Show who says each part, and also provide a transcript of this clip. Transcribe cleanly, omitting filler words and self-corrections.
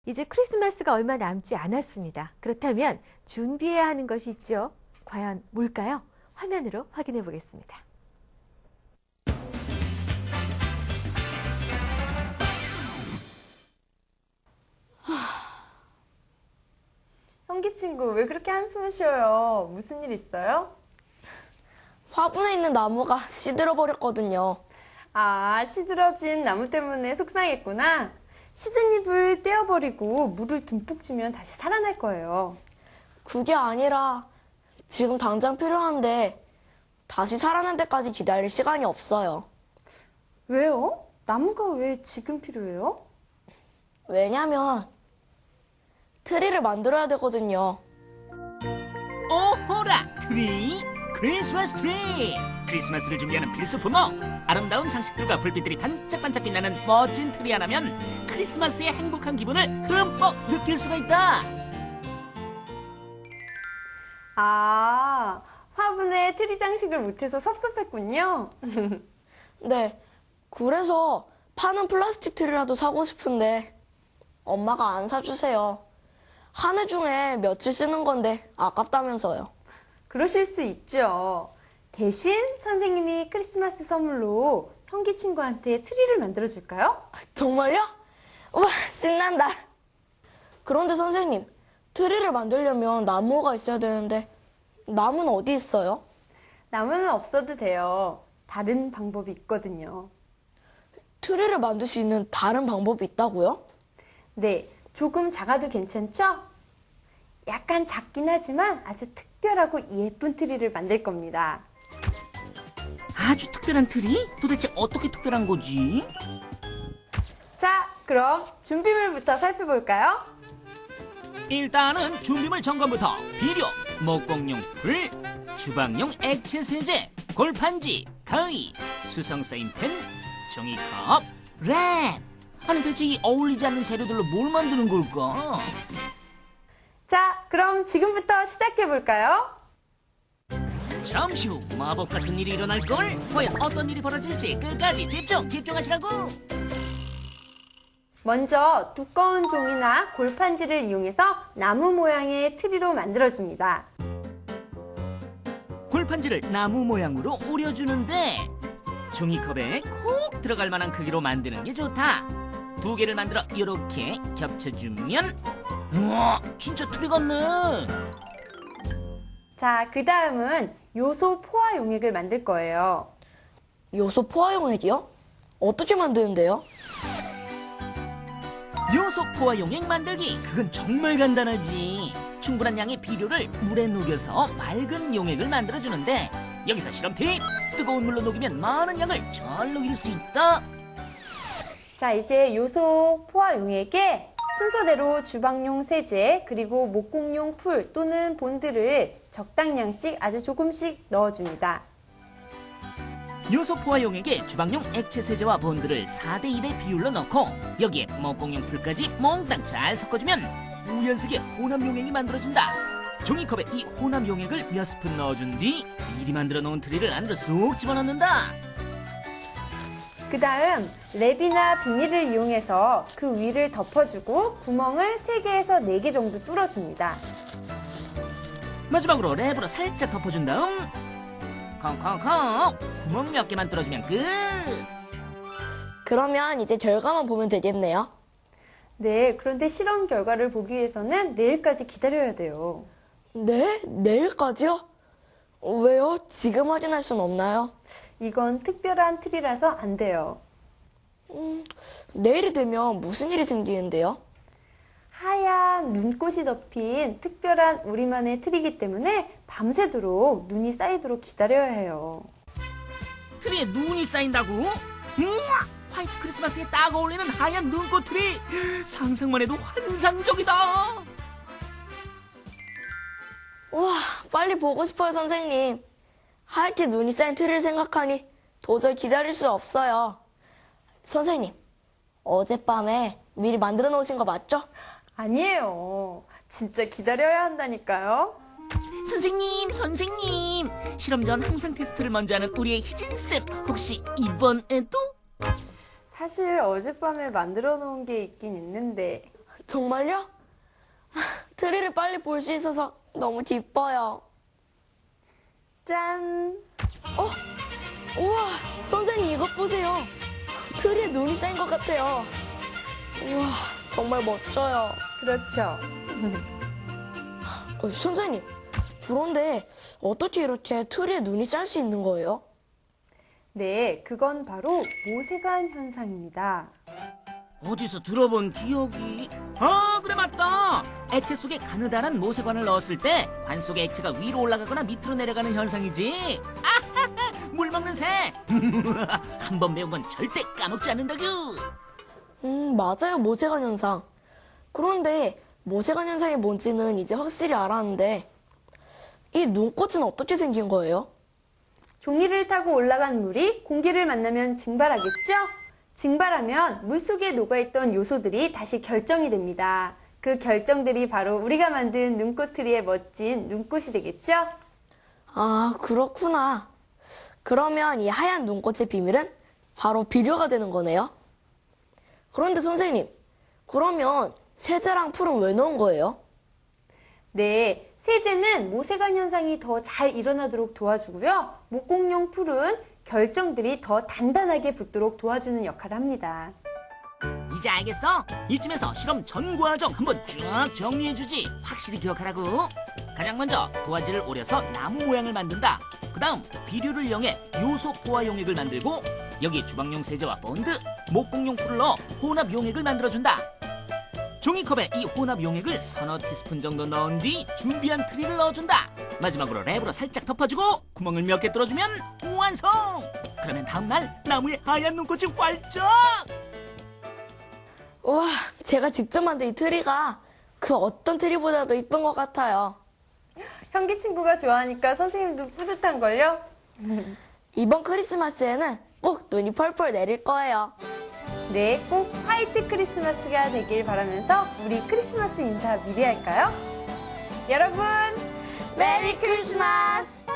Speaker 1: 이제 크리스마스가 얼마 남지 않았습니다. 그렇다면 준비해야 하는 것이 있죠. 과연 뭘까요? 화면으로 확인해 보겠습니다.
Speaker 2: 형기 친구, 왜 그렇게 한숨을 쉬어요? 무슨 일 있어요?
Speaker 3: 화분에 있는 나무가 시들어 버렸거든요.
Speaker 2: 아, 시들어진 나무 때문에 속상했구나. 시든 잎을 떼어버리고 물을 듬뿍 주면 다시 살아날 거예요.
Speaker 3: 그게 아니라 지금 당장 필요한데 다시 살아날 때까지 기다릴 시간이 없어요.
Speaker 2: 왜요? 나무가 왜 지금 필요해요?
Speaker 3: 왜냐면 트리를 만들어야 되거든요.
Speaker 4: 오호라! 트리! 크리스마스 트리! 크리스마스를 준비하는 필수품어! 아름다운 장식들과 불빛들이 반짝반짝 빛나는 멋진 트리 하나면 크리스마스의 행복한 기분을 흠뻑 느낄 수가 있다!
Speaker 2: 아, 화분에 트리 장식을 못해서 섭섭했군요.
Speaker 3: 네, 그래서 파는 플라스틱 트리라도 사고 싶은데 엄마가 안 사주세요. 한 해 중에 며칠 쓰는 건데 아깝다면서요.
Speaker 2: 그러실 수 있죠. 대신 선생님이 크리스마스 선물로 형기 친구한테 트리를 만들어줄까요?
Speaker 3: 정말요? 우와, 신난다. 그런데 선생님, 트리를 만들려면 나무가 있어야 되는데 나무는 어디 있어요?
Speaker 2: 나무는 없어도 돼요. 다른 방법이 있거든요.
Speaker 3: 트리를 만들 수 있는 다른 방법이 있다고요?
Speaker 2: 네, 조금 작아도 괜찮죠? 약간 작긴 하지만 아주 특별하고 예쁜 트리를 만들 겁니다.
Speaker 4: 아주 특별한 트리? 도대체 어떻게 특별한 거지?
Speaker 2: 자, 그럼 준비물부터 살펴볼까요?
Speaker 4: 일단은 준비물 점검부터 비료, 목공용 풀, 주방용 액체 세제, 골판지, 가위, 수성 사인펜, 종이컵, 랩. 아니 대체 이 어울리지 않는 재료들로 뭘 만드는 걸까?
Speaker 2: 자, 그럼 지금부터 시작해볼까요?
Speaker 4: 잠시 후 마법 같은 일이 일어날걸? 과연 어떤 일이 벌어질지 끝까지 집중하시라고!
Speaker 2: 먼저 두꺼운 종이나 골판지를 이용해서 나무 모양의 트리로 만들어줍니다.
Speaker 4: 골판지를 나무 모양으로 오려주는데 종이컵에 콕 들어갈 만한 크기로 만드는 게 좋다. 두 개를 만들어 이렇게 겹쳐주면 우와, 진짜 트리 같네.
Speaker 2: 자, 그 다음은 요소 포화 용액을 만들 거예요.
Speaker 3: 요소 포화 용액이요? 어떻게 만드는데요?
Speaker 4: 요소 포화 용액 만들기, 그건 정말 간단하지. 충분한 양의 비료를 물에 녹여서 맑은 용액을 만들어주는데 여기서 실험 팁! 뜨거운 물로 녹이면 많은 양을 잘 녹일 수 있다.
Speaker 2: 자, 이제 요소 포화 용액에 순서대로 주방용 세제 그리고 목공용 풀 또는 본드를 적당량씩 아주 조금씩 넣어줍니다.
Speaker 4: 요소 포화 용액에 주방용 액체 세제와 본드를 4대1의 비율로 넣고 여기에 목공용 풀까지 몽땅 잘 섞어주면 우연색의 혼합 용액이 만들어진다. 종이컵에 이 혼합 용액을 몇 스푼 넣어준 뒤 미리 만들어 놓은 트리를 안으로 쏙 집어넣는다.
Speaker 2: 그 다음 랩이나 비닐을 이용해서 그 위를 덮어주고 구멍을 3개에서 4개 정도 뚫어줍니다.
Speaker 4: 마지막으로 랩으로 살짝 덮어준 다음 콩콩콩 구멍 몇 개만 뚫어주면 끝.
Speaker 3: 그러면 이제 결과만 보면 되겠네요.
Speaker 2: 네, 그런데 실험 결과를 보기 위해서는 내일까지 기다려야 돼요.
Speaker 3: 네? 내일까지요? 왜요? 지금 확인할 순 없나요?
Speaker 2: 이건 특별한 트리라서 안 돼요.
Speaker 3: 내일이 되면 무슨 일이 생기는데요?
Speaker 2: 하얀 눈꽃이 덮인 특별한 우리만의 트리이기 때문에 밤새도록 눈이 쌓이도록 기다려야 해요.
Speaker 4: 트리에 눈이 쌓인다고? 우와! 화이트 크리스마스에 딱 어울리는 하얀 눈꽃 트리! 상상만 해도 환상적이다!
Speaker 3: 우와, 빨리 보고 싶어요, 선생님. 하얗게 눈이 쌓인 트리를 생각하니 도저히 기다릴 수 없어요. 선생님, 어젯밤에 미리 만들어 놓으신 거 맞죠?
Speaker 2: 아니에요. 진짜 기다려야 한다니까요.
Speaker 4: 선생님! 실험 전 항상 테스트를 먼저 하는 우리의 희진쌤, 혹시 이번에도?
Speaker 2: 사실 어젯밤에 만들어 놓은 게 있긴 있는데
Speaker 3: 정말요? 트리를 빨리 볼 수 있어서 너무 기뻐요.
Speaker 2: 짠!
Speaker 3: 우와, 선생님 이것 보세요. 트리에 눈이 쌓인 것 같아요. 우와, 정말 멋져요.
Speaker 2: 그렇죠.
Speaker 3: 선생님, 그런데 어떻게 이렇게 트리에 눈이 쌓일 수 있는 거예요?
Speaker 2: 네, 그건 바로 모세관 현상입니다.
Speaker 4: 어디서 들어본 기억이... 그래 맞다. 액체 속에 가느다란 모세관을 넣었을 때 관 속의 액체가 위로 올라가거나 밑으로 내려가는 현상이지. 아하하, 물 먹는 새. 한 번 배운 건 절대 까먹지 않는다구.
Speaker 3: 맞아요, 모세관 현상. 그런데 모세관 현상이 뭔지는 이제 확실히 알았는데 이 눈꽃은 어떻게 생긴 거예요?
Speaker 2: 종이를 타고 올라간 물이 공기를 만나면 증발하겠죠? 증발하면 물속에 녹아있던 요소들이 다시 결정이 됩니다. 그 결정들이 바로 우리가 만든 눈꽃트리의 멋진 눈꽃이 되겠죠?
Speaker 3: 아, 그렇구나. 그러면 이 하얀 눈꽃의 비밀은 바로 비료가 되는 거네요? 그런데 선생님, 그러면 세제랑 풀은 왜 넣은 거예요?
Speaker 2: 네, 세제는 모세관 현상이 더 잘 일어나도록 도와주고요. 목공용 풀은 결정들이 더 단단하게 붙도록 도와주는 역할을 합니다.
Speaker 4: 이제 알겠어? 이쯤에서 실험 전 과정 한번 쫙 정리해주지. 확실히 기억하라고. 가장 먼저 도화지를 오려서 나무 모양을 만든다. 그 다음 비료를 이용해 요소 포화 용액을 만들고 여기 주방용 세제와 본드, 목공용 풀을 넣어 혼합 용액을 만들어준다. 종이컵에 이 혼합 용액을 서너 티스푼 정도 넣은 뒤 준비한 트리를 넣어준다. 마지막으로 랩으로 살짝 덮어주고 구멍을 몇 개 뚫어주면 완성! 그러면 다음날 나무에 하얀 눈꽃이 활짝!
Speaker 3: 우와, 제가 직접 만든 이 트리가 그 어떤 트리보다도 이쁜 것 같아요.
Speaker 2: 현기 친구가 좋아하니까 선생님도 뿌듯한걸요?
Speaker 3: 이번 크리스마스에는 꼭 눈이 펄펄 내릴 거예요.
Speaker 2: 네, 꼭 화이트 크리스마스가 되길 바라면서 우리 크리스마스 인사 미리 할까요? 여러분,
Speaker 3: 메리 크리스마스!